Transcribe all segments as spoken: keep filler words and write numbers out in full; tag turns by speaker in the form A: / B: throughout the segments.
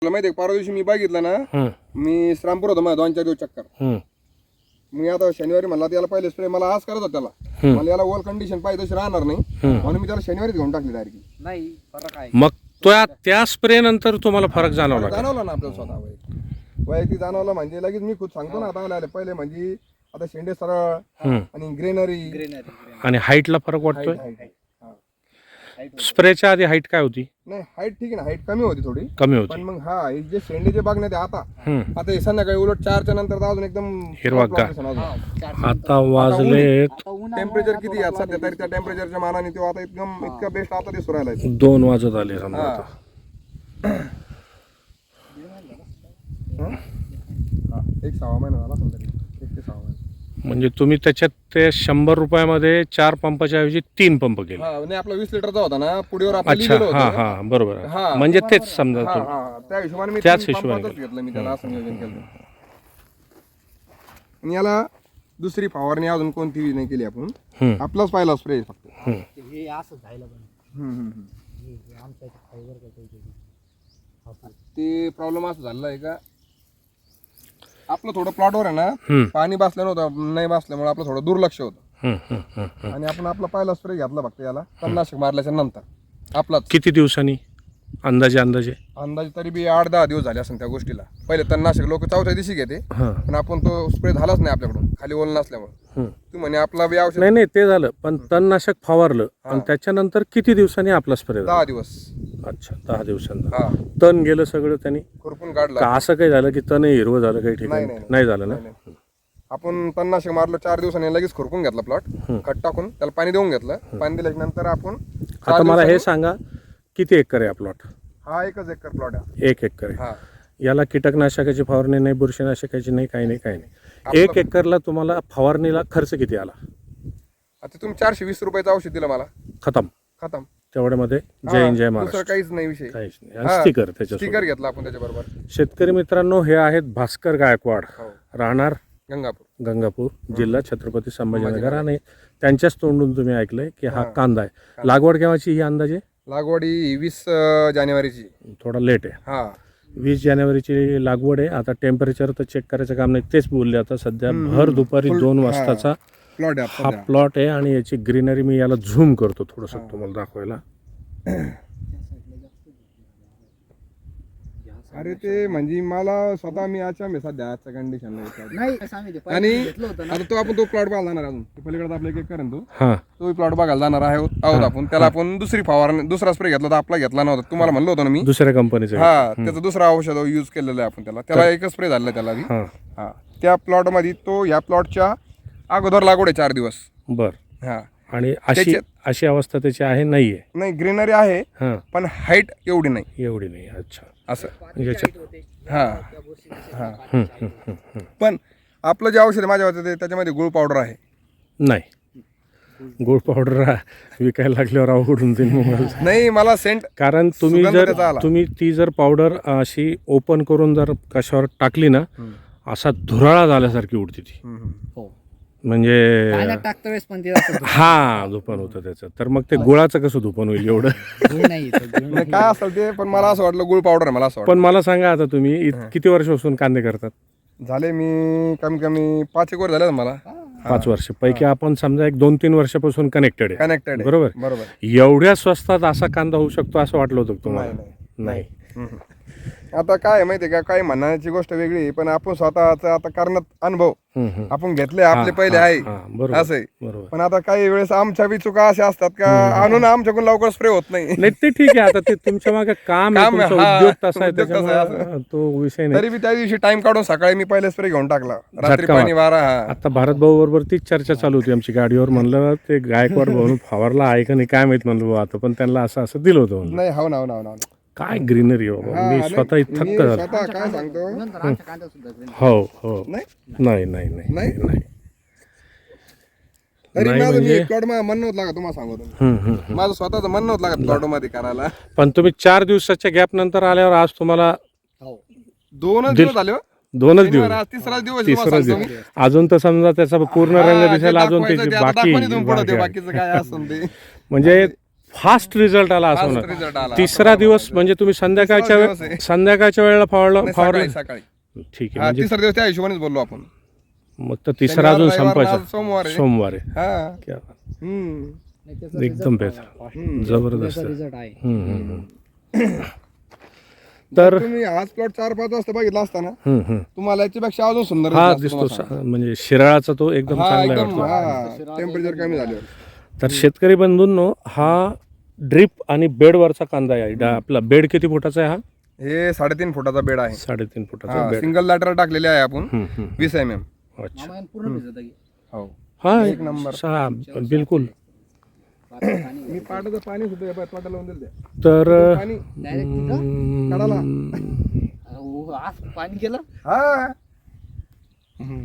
A: तुला माहिती आहे परवा दिवशी मी बघितलं ना, मी श्रामपूर होतो माझ्या दोन चार दिवस चक्कर. मी आता शनिवारी म्हणला त्याला पहिले स्प्रे मला आज करत होता त्याला, मला याला ओल कंडिशन पाहिजे तशी राहणार नाही म्हणून मी त्याला शनिवारीच घेऊन टाकली डायरेक्ट.
B: नाही फरक आहे.
C: मग त्या त्या स्प्रे नंतर तुम्हाला फरक जाणवला का?
A: जाणवला ना आपल्याला स्वतः वैयक्तिक वैयक्तिक जाणवला. म्हणजे लगेच मी खुद सांगतो ना आता आले पहिले म्हणजे आता शेंडे सरळ आणि ग्रेनरी
C: आणि हाईटला फरक वाटतोय. स्प्रेच्या आधी हाईट काय होती?
A: नाही हाईट ठीक आहे ना, हाईट कमी होती थोडी
C: कमी होती.
A: पण मग हा हे जे शेंडे जे बघण्यात आहे आता आता हे संध्याकाळी उलट चारच्या नंतर तर अजून एकदम
C: हिरवागार. आता वाजले
A: टेम्परेचर किती आहे सध्या तरी त्या टेम्परेचरच्या मानाने तो आता एकदम इतका बेस्ट आता दिसू राहिला.
C: दोन वाजत आले समजा आता.
A: एक सहा महिना झाला समजा, एक ते सहा महिना.
C: म्हणजे तुम्ही त्याच्यात ते शंभर रुपयामध्ये चार पंपाच्या ऐवजी तीन पंप केले.
A: हा नाही आपला वीस लिटरचा होता ना पुढेवर आपण
C: अच्छा
A: लिहिलेलं
C: हा
A: होतं.
C: हा बरोबर आहे.
A: हा.
C: म्हणजे तेच समजा
A: हा,
C: तुम्ही
A: हा, त्या हिशोबाने मी
C: त्याच
A: तीन
C: हिशोबाने
A: पंपाचंच घेतलं मी त्याला असं नियोजन केलं. आणि याला दुसरी फवारणी अजून कोणती नाही केली आपण, आपलाच पहिला स्प्रे फक्त.
B: हे असं झालं पण
A: हम्म, हम्म, हम्म.
B: हे आमच्या फायबर काय
A: ते प्रॉब्लेम असं झालेला आहे का आपलं थोडं प्लॉटवर आहे ना पाणी बसलं नव्हतं, नाही बसल्यामुळे आपलं थोडं दुर्लक्ष होतं आणि आपण आपला पहिला स्प्रे घेतला फक्त याला तणनाशक मारल्याच्या नंतर आपलाच.
C: किती दिवसांनी अंदाजे अंदाजे
A: अंदाजे तरी बी आठ दहा दिवस झाले असेल त्या गोष्टीला. पहिले तणनाशक लोक चौथ्या दिवशी घेते पण आपण तो स्प्रे झालाच नाही आपल्याकडून खाली ओल नसल्यामुळे. तू म्हणे आपला बी औषध
C: नाही नाही ते झालं, पण तणनाशक फवारलं आणि त्याच्यानंतर किती दिवसांनी आपला स्प्रे?
A: दहा दिवस.
C: अच्छा दहा दिवसांना
A: हा
C: तण गेलं सगळं त्यांनी?
A: खुरपून काढला.
C: का असं काही झालं की तण हिरवं झालं काही ठिकाणी?
A: नाही,
C: नाही झालं ना.
A: आपण तणनाशक मारलं चार दिवसांनी लगेच खुरपून घेतला प्लॉट, खत टाकून त्याला पाणी देऊन घेतलं. पाणी दिल्याच्या नंतर आपण
C: आता मला हे सांगा किती एकर आहे हा प्लॉट?
A: हा एकच एकर प्लॉट आहे.
C: एक एकर आहे.
A: हा
C: याला कीटकनाशकाची फवारणी नाही, बुरशीनाशकाची नाही, काही नाही काही नाही. एक एकरला तुम्हाला फवारणीला खर्च किती आला?
A: आता तुम्ही चारशे वीस रुपयाचं औषध दिलं मला,
C: खतम.
A: खतम.
C: तेवढ्यामध्ये जय हिंद जय
A: दुसरं
C: महाराष्ट्र.
A: काहीच नाही विषय.
C: काहीच नाही. आणि स्टिकर त्याच्यासोबत.
A: स्टिकर घेतला आपण त्याच्याबरोबर.
C: शेतकरी मित्रांनो, हे आहेत भास्कर गायकवाड,
A: हो.
C: राहणार
A: गंगापूर,
C: गंगापूर, जिल्हा छत्रपती संभाजीनगर. आणि त्यांच्याच तोंडून तुम्ही ऐकलंय की हा कांदा आहे. लागवड केव्हाची ही अंदाजे?
A: लागवडी वीस अं, जानेवारीची.
C: थोडा लेट आहे.
A: हा
C: वीस जानेवारीची लागवड आहे. आता टेम्परेचर तर चेक करायचं काम नाही, तेच बोलले. आता सध्या भर दुपारी दोन वाजताचा
A: प्लॉट आहे
C: हा
A: आपला.
C: प्लॉट आहे आणि याची ग्रीनरी मी याला झूम करतो थोडंसं तुम्हाला दाखवायला.
A: अरे ते म्हणजे मला स्वतः मी अच्छा मी सध्या आजच्या कंडिशनला
B: नाही सांगितलं
A: आणि
B: आणि घेतलं होतं ना.
A: आता तो आपण तो प्लॉट बघायला जाणार अजून पलीकडे आपल्या एक करेन तो
C: हां
A: तो प्लॉट बघायला जाणार आहे आहोत आपण. त्याला आपण दुसरी फवारणी दुसरा स्प्रे घेतला तर आपला घेतला नव्हता. तुम्हाला म्हणलो होतो ना मी
C: दुसऱ्या कंपनीचं.
A: हा त्याचं दुसरं औषध यूज केलेलं आहे आपण. त्याला त्याला एकच स्प्रे झालेला त्याला बी.
C: हां
A: हा त्या प्लॉट मध्ये तो ह्या प्लॉटच्या अगोदर लागवड आहे चार दिवस.
C: बर.
A: हा
C: आणि अशी अशी अवस्था त्याची आहे? नाहीये.
A: नाही ग्रीनरी आहे
C: हां
A: पण हाईट एवढी नाही.
C: एवढी नाही. अच्छा
A: असं
C: याच्यात
A: हा हा
C: हं, हं, हं, हं.
A: पण आपलं जे औषध आहे माझ्या होतं त्याच्यामध्ये गुळ पावडर आहे.
C: नाही गुळ पावडर विकायला लागल्यावर अवघडून जाईल मग.
A: नाही मला सेंट
C: कारण तुम्ही
A: सुगंध
C: जर
A: त्याचा आला.
C: तुम्ही ती जर पावडर अशी ओपन करून जर कशावर टाकली ना, असा धुराळा झाल्यासारखी उडती ती.
B: हो.
C: म्हणजे
B: पाण्यात टाकता वेळेस पण ते असं
C: हा धुपन होतं त्याचं. तर मग ते गुळाचं कसं धुपन होईल एवढं?
B: धूळ नाही येत, धूळ
A: नाही, काय असेल ते पण मला असं वाटलं गुळ पावडर आहे मला असं
C: पण मला सांगा आता तुम्ही इत- किती वर्षापासून कांदे करतात?
A: वाटलं. झाले मी कमी कमी पाच एक वर झाले मला
C: पाच वर्ष पैकी आपण समजा एक दोन तीन वर्षापासून कनेक्टेड आहे.
A: कनेक्टेड.
C: बरोबर.
A: बरोबर.
C: एवढ्या स्वस्तात असा कांदा होऊ शकतो असं वाटलं होतं का तुम्हाला? नाही.
A: हम्म. आता काय आहे माहितीये का, काही म्हणण्याची गोष्ट वेगळी आहे, पण आपण स्वतःचा आता करण्यात अनुभव
C: हम्म, हम्म.
A: आपण घेतले आपले पहिले आहे
C: हा, बरोबर
A: असं आहे.
C: बरोबर.
A: पण आता काही वेळेस आमच्या बी चुका अशा असतात का आणून आमच्याकडून लवकर स्प्रे होत नाही.
C: नाही ते ठीक आहे. आता ते तुमच्या मागे काम आहे,
A: काम आहे,
C: तुमचा
A: हा,
C: उद्योग तसा आहे,
A: उद्योग तसा आहे,
C: त्याच्यामुळे तो विषय नाही.
A: तरी बी त्या दिवशी टाइम काढून सकाळी मी पहिले स्प्रे घेऊन टाकला. रात्री
C: झटका
A: पाणी वारा. हा
C: आता भारत भाऊ बरोबर तीच चर्चा चालू होती आमची गाडीवर. म्हणलं ते गायकवाड भाऊ फवारला आहे का नाही काय माहित म्हणलं भाऊ आता, पण त्यांना असं असं दिलं होतं म्हणलं.
A: नाही हो ना हो ना हो ना.
C: काय ग्रीनरी हो बाबा. मी
A: हा,
C: स्वतः
A: नाही,
C: थक्क
A: मी
C: झालो.
A: स्वतः काय सांगतो.
B: नंतर आमच्या कांद्यात सुद्धा green.
C: हो हो
A: नाही
C: नाही नाही नाही
A: नाही?
C: नाही.
A: तरी
C: नाही
A: माझं मी
C: म्हणजे-
A: प्लॉट मन नव्हतं लागत तुम्हाला सांगतो.
C: हम्म, हम्म, हम्म.
A: माझं स्वतःच मन नव्हतं लागत प्लॉट मध्ये करायला.
C: पण तुम्ही चार दिवसाच्या गॅप नंतर आल्यावर आज तुम्हाला
B: हो.
A: दोनच
C: दिल-
A: दिवस झाले हो.
C: दोनच दिवस
A: शनिवार, आज तिसरा दिवस आहे,
C: तिसरा
A: तुम्हाला
C: दिवस
A: सांगतो मी.
C: अजून तर समजा त्याचा पूर्ण
A: हा,
C: रंग
A: जे
C: दिसायला अजून
A: दाखवायचं
C: त्याची
A: ते आता
C: बाकी
A: दाखवून इथून पुढं ते
C: बाकी आहे.
A: बाकीचं काय असेल ते.
C: म्हणजे फास्ट रिझल्ट आला असं
A: Fast
C: म्हणा.
A: result आला.
C: तिसरा दिवस म्हणजे तुम्ही संध्याकाळच्या
A: तिसरा दिवस
C: वेळे
A: आहे.
C: संध्याकाळच्या वेळेला फवारलं
A: नाही,
C: फवारलं
A: सकाळी सकाळी
C: ठीक आहे
A: हा
C: म्हणजे
A: तिसरा दिवस त्या हिशोबानेच बोललो आपण.
C: मग तर तिसरा
A: शनिवार,
C: अजून
A: रविवार,
C: संपायचा
A: आज सोमवार आहे.
C: सोमवार आहे
A: हा
C: क्या बात.
A: हम्म.
B: नाही, त्याचा
C: एकदम
B: result
C: बेहतर.
B: आहे.
C: जबरदस्त
B: त्याचा result आहे.
C: हम्म, हम्म, हम्म. तर
A: तुम्ही आज प्लॉट चार पाच वाजता बघितला असता ना
C: हम्म, हम्म.
A: तुम्हाला याच्यापेक्षा अजून सुंदर
C: हा
A: दिसला
C: दिसतो
A: असता तुम्हाला.
C: सा- म्हणजे शिराळाचा तो एकदम
A: हा
C: चांगला
A: एकदम
C: वाटतो.
A: हा टेम्परेचर कमी झालं.
C: तर शेतकरी बंधूंनो हा ड्रिप आणि बेडवरचा कांदा आहे डा- आपला बेड किती फुटाचा आहे हा
A: हे साडेतीन फुटाचा बेड आहे.
C: साडेतीन फुटाचा बेड
A: सिंगल लॅटर टाकलेले आहे आपण
C: हम्म, हम्म.
A: वीस एम एम.
C: अच्छा
B: मामा यानं पूर्ण भिजत आहे.
A: हो
C: हा
A: एक नंबर.
C: सहा बिलकुल
B: पातळ पाणी
A: मी पाटाचं पाणी सुद्धा या पाटाला लावून दिलं त्या.
C: तर
A: पाणी
B: डायरेक्ट तिथं
A: काढाला
B: अहो, आज पाणी गेलं.
A: हा हम्म.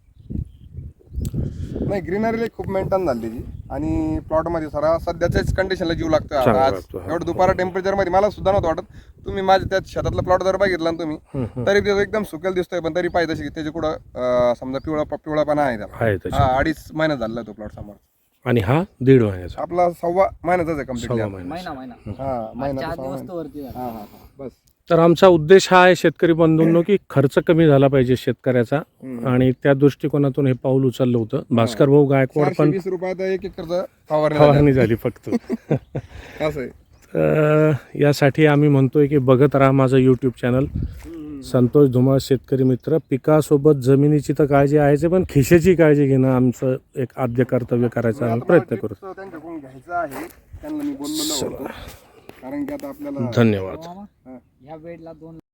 A: नाही ग्रीनरी खूप मेंटेन झाली ती आणि प्लॉट मध्ये सरा सध्याच्याच कंडिशनला जीव लागतो आता.
C: चांगला
A: आज
C: लागतो, हा.
A: एवढं दुपारा टेम्परेचर मध्ये मला सुद्धा नव्हतं वाटत. तुम्ही माझ्या त्या शेतातला प्लॉट जर बघितला ना तुम्ही
C: हम्म, हम्म.
A: तरी ते एकदम सुकेल दिसतोय पण तरी पाहिजे तशी त्याच्या कुठं अं, समजा पिवळा पिवळापणा आहे त्याला.
C: आहे त्याच्यात.
A: हा अडीच महिन्यात झालेला आहे तो प्लॉट समोर.
C: आणि हा दीड महिन्याचा
A: आपला सव्वा महिन्याचाच आहे कम्प्लीटली.
C: सव्वा महिना
B: महिना महिना
A: हा
B: आज
A: महिना
B: चार
A: तो सव्वा
B: दिवस
A: महिना.
B: तर वरती झाला.
A: हा हा हा बस.
C: तर आमचा उद्देश हा आहे शेतकरी बंधूंनो की खर्च कमी झाला पाहिजे शेतकऱ्याचा
A: हम्म.
C: आणि त्या दृष्टिकोनातून हे पाऊल उचललं होतं भास्कर भाऊ गायकवाड
A: चारशे
C: पण
A: वीस रुपयात एक एकरचं फवारणी झाली.
C: फवारणी झाली फक्त
A: असं आहे.
C: तर यासाठी आम्ही म्हणतोय की बघत राहा माझं यूट्यूब चॅनल संतोष धुमाळ शेतकरी मित्र. पिकासोबत जमिनीची तर काळजी आहेच आहे, पण खिशेची काळजी घेणं आमचं एक आद्य कर्तव्य करायचा आम्ही
A: आता
C: प्रयत्न
A: मला
C: करू.
A: tips त्यांच्याकडून घ्यायचं आहे त्यांना मी बोललेलो होतो कारण की आता आपल्याला
C: धन्यवाद.
B: मामा, ह्या बेडला दोन